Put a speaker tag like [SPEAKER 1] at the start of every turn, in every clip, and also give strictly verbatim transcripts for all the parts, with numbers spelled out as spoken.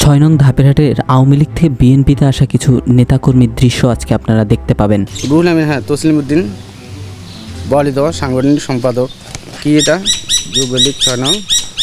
[SPEAKER 1] ছয় নং ধাপেরহাটের আওয়ামী লীগ থেকে বিএনপিতে আসা কিছু নেতাকর্মীর দৃশ্য আজকে আপনারা দেখতে পাবেন।
[SPEAKER 2] রুহুল আমিন, হ্যাঁ, তসলিমউদ্দিন বলিদ সাংগঠনিক সম্পাদক। কি এটা? যুবলীগ ছয় নং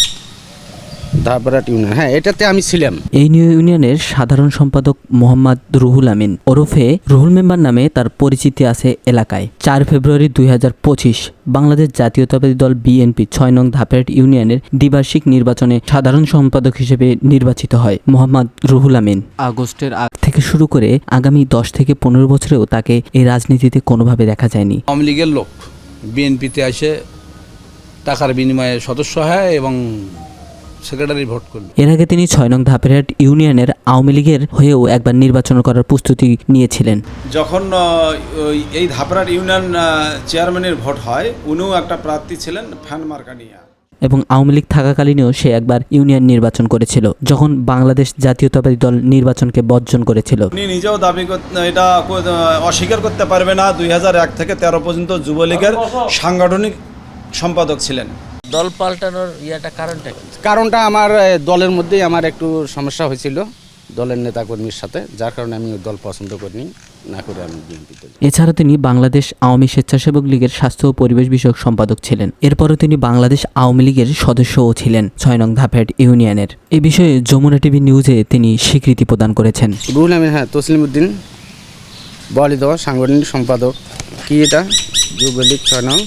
[SPEAKER 2] ধাপেরহাট ইউনিয়ন, হ্যাঁ, এটাতে আমি ছিলাম।
[SPEAKER 1] এই নিউ ইউনিয়নের সাধারণ সম্পাদক মোহাম্মদ রুহুল আমিন ওরফে রুহুল মেম্বার নামে তার পরিচিতি আছে এলাকায়। চার ফেব্রুয়ারি দুই হাজার পঁচিশ বাংলাদেশ জাতীয়তাবাদী দল বিএনপি ছয় নং ধাপেরহাট ইউনিয়নের দ্বিবার্ষিক নির্বাচনে সাধারণ সম্পাদক হিসেবে নির্বাচিত হয় মোহাম্মদ রুহুল আমিন। আগস্টের আগ থেকে শুরু করে আগামী দশ থেকে পনেরো বছরেও তাকে এই রাজনীতিতে কোনোভাবে দেখা যায়নি।
[SPEAKER 3] আওয়ামী লীগের লোক বিএনপিতে এসে টাকার বিনিময়ে সদস্য হয় এবং সেক্রেটারি ভোট করল।
[SPEAKER 1] এর আগে তিনি ছয় নং ধাপেরহাট ইউনিয়নের আওয়ামী লীগের হয়েও একবার নির্বাচন করার প্রস্তুতি নিয়েছিলেন।
[SPEAKER 3] যখন এই ধাপেরহাট ইউনিয়ন চেয়ারম্যানের ভোট হয়, উনিও একটা প্রার্থী ছিলেন ফ্যান মার্কা নিয়ে,
[SPEAKER 1] এবং আওয়ামী লীগ থাকাকালীনও সে একবার ইউনিয়ন নির্বাচন করেছিল যখন বাংলাদেশ জাতীয়তাবাদী দল নির্বাচনকে বর্জন করেছিল।
[SPEAKER 3] উনি নিজেও দাবি এটা অস্বীকার করতে পারবে না, দুই হাজার এক থেকে তেরো পর্যন্ত যুবলীগের সাংগঠনিক সম্পাদক ছিলেন।
[SPEAKER 4] দল পাল্টানোর ইয়াটা কারণটা কি?
[SPEAKER 2] কারণটা আমার দলের মধ্যেই আমার একটু সমস্যা হয়েছিল দলের নেতাকর্মীর সাথে, যার কারণে আমি দল পছন্দ করিনি, না করে আমি বিএনপিতে।
[SPEAKER 1] এছাড়া তিনি বাংলাদেশ আওয়ামী স্বেচ্ছাসেবক লীগের স্বাস্থ্য ও পরিবেশ বিষয়ক সম্পাদক ছিলেন। এরপরও তিনি বাংলাদেশ আওয়ামী লীগের সদস্যও ছিলেন ছয় নং ধাপেরহাট ইউনিয়নের। এই বিষয়ে যমুনা টিভি নিউজে তিনি স্বীকৃতি প্রদান করেছেন।
[SPEAKER 2] রুহুল আমিন, হ্যাঁ, তসলিমউদ্দিন বলিদ সাংগঠনিক সম্পাদক। কি এটা? যুবলীগ ছয় নং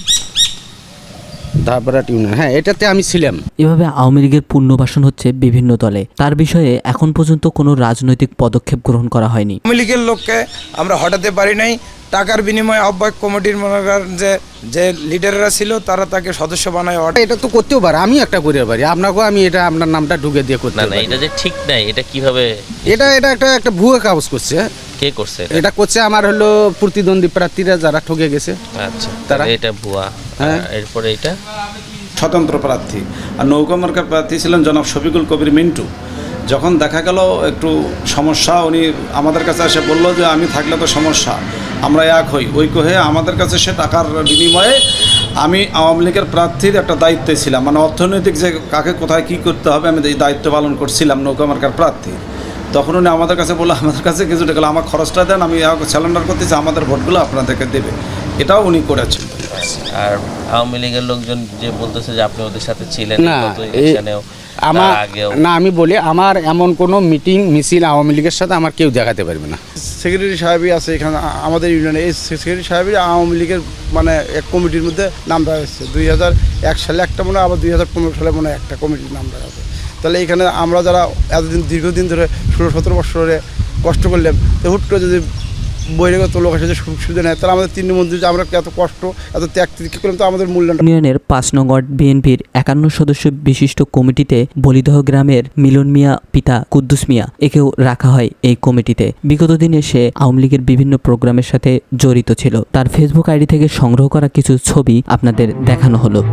[SPEAKER 2] ধাপেরহাট ইউনিয়ন, হ্যাঁ, এটাতে আমি ছিলাম।
[SPEAKER 1] এভাবে আওয়ামী লীগের পুনর্বাসন হচ্ছে বিভিন্ন দলে। তার বিষয়ে এখন পর্যন্ত কোনো রাজনৈতিক পদক্ষেপ গ্রহণ করা হয়নি।
[SPEAKER 5] আওয়ামী লীগের লোককে আমরা হটাতে পারি নাই। টাকার বিনিময়ে আহ্বায়ক কমিটির মনে করেন যে যে লিডাররা ছিল তারা তাকে সদস্য বানায়।
[SPEAKER 2] এটা তো করতেও পারে, আমি একটা করে পারি, আপনাকেও আমি এটা আপনার নামটা ঢুকে দিয়ে করতে
[SPEAKER 4] না না,
[SPEAKER 2] পারি।
[SPEAKER 4] এটা যে ঠিক নাই, এটা কিভাবে?
[SPEAKER 2] এটা এটা একটা একটা ভুয়া কাগজ করছে।
[SPEAKER 4] কে করছে
[SPEAKER 2] এটা করছে আমার হলো প্রতিদ্বন্দ্বী প্রার্থীরা যারা ঠকে গেছে।
[SPEAKER 4] আচ্ছা,
[SPEAKER 2] তারা
[SPEAKER 4] এটা ভুয়া।
[SPEAKER 2] হ্যাঁ।
[SPEAKER 4] এরপরে এটা
[SPEAKER 3] স্বতন্ত্র প্রার্থী আর নৌকা মার্কার প্রার্থী ছিলেন জনাব শফিকুল কবির মিন্টু। যখন দেখা গেল একটু সমস্যা, উনি আমাদের কাছে এসে বলল যে আমি থাকলে তো সমস্যা, আমরা এক হই, ঐক্য হয়ে আমাদের কাছে সে টাকার বিনিময়ে আমি আওয়ামী লীগের প্রার্থীর একটা দায়িত্বে ছিলাম, মানে অর্থনৈতিক যে কাকে কোথায় কী করতে হবে আমি এই দায়িত্ব পালন করছিলাম নৌকা মার্কার প্রার্থী। তখন উনি আমাদের কাছে বললো আমাদের কাছে কিছু টাকা আমার খরচটা দেন, আমি স্যালেন্ডার করতেছি, আমাদের ভোটগুলো আপনাদেরকে দেবে। এটাও উনি করেছেন।
[SPEAKER 4] আর আওয়ামী লীগের লোকজন যে বলতেছে যে আপনি ওদের সাথে ছিলেন
[SPEAKER 2] না,
[SPEAKER 4] গত ইলেকশনেও,
[SPEAKER 2] আমার
[SPEAKER 4] তার আগেও।
[SPEAKER 2] না, আমি বলি আমার এমন কোনো মিটিং মিছিল আওয়ামী লীগের সাথে আমার কেউ দেখাতে পারবে না।
[SPEAKER 6] সেক্রেটারি সাহেবই আছে এখানে আমাদের ইউনিয়নে। এই সেক্রেটারি সাহেবই আওয়ামী লীগের মানে এক কমিটির মধ্যে নাম দেওয়া হয়েছে। দুই হাজার এক সালে একটা মনে হয়, আবার দুই হাজার পনেরো সালে মনে হয় একটা কমিটির নাম দেওয়া হবে। তাহলে এখানে আমরা যারা এতদিন দীর্ঘদিন ধরে ষোলো সতেরো বছর ধরে কষ্ট করলাম, তো হুট করে যদি বহিরাগত লোক এসে সুযোগ সুবিধা নেয়, তাহলে আমাদের তিন মন্দির যে আমরা এত কষ্ট এত ত্যাগ তিতিক্ষা করলাম, তো আমাদের মূল্যায়ন।
[SPEAKER 1] ইউনিয়নের পাঁচ নং ওয়ার্ড বিএনপির একান্ন সদস্য বিশিষ্ট কমিটিতে বলিদহ গ্রামের মিলন মিয়া পিতা কুদ্দুস মিয়া একেও রাখা হয় এই কমিটিতে। বিগত দিনে সে আওয়ামী লীগের বিভিন্ন প্রোগ্রামের সাথে জড়িত ছিল। তার ফেসবুক আইডি থেকে সংগ্রহ করা কিছু ছবি আপনাদের দেখানো হলো।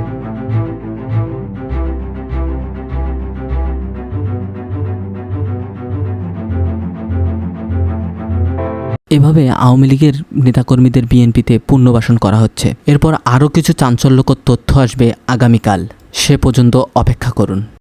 [SPEAKER 1] এভাবে আওয়ামী লীগের নেতাকর্মীদের বিএনপিতে পুনর্বাসন করা হচ্ছে। এরপর আরও কিছু চাঞ্চল্যকর তথ্য আসবে আগামীকাল। সে পর্যন্ত অপেক্ষা করুন।